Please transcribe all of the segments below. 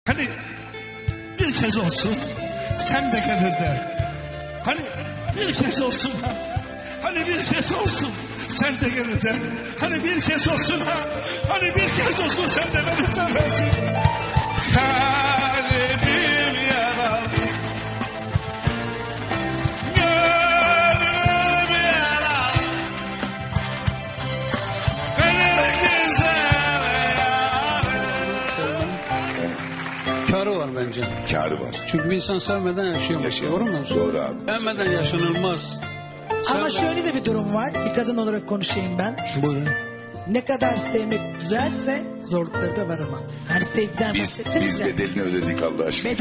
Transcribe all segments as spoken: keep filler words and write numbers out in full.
Hani bir kez olsun sen de gelir der. Hani bir kez olsun ha. Hani bir kez olsun sen de gelir der. Hani bir kez olsun ha. Hani bir kez olsun sen de beni seversin. Kalbim yaralı. Gönlüm yaralı. Beni güzel Sevmenin kârı var bence. Kârı var. Çünkü bir insan sevmeden yaşayamaz. Yaşayamaz. Doğru mu? Doğru abi. Sevmeden yaşanılmaz. Ama Sevme- şöyle de bir durum var. Bir kadın olarak konuşayım ben. Buyurun. Ne kadar sevmek güzelse zorlukları da var ama. Hani sevgiden Biz, bahsettiniz biz ya. bedelini ödedik Allah aşkına.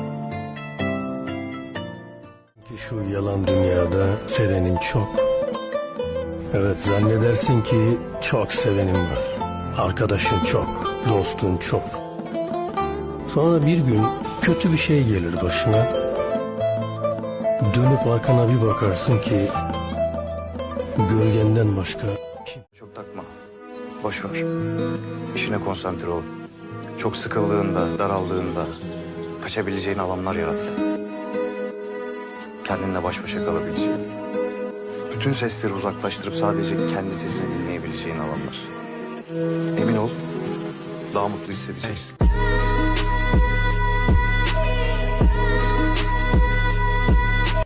Ki şu yalan dünyada sevenin çok. Evet, zannedersin ki çok sevenin var. Arkadaşın çok, dostun çok. Sonra bir gün kötü bir şey gelir başına. Dönüp arkana bir bakarsın ki gölgenden başka Çok takma. Boş ver. İşine konsantre ol. Çok sıkıldığında, daraldığında kaçabileceğin alanlar yarat kendine. Kendinle baş başa kalabileceğin. Bütün sesleri uzaklaştırıp sadece kendi sesini dinleyebileceğin alanlar. Emin ol, daha mutlu hissedeceksin.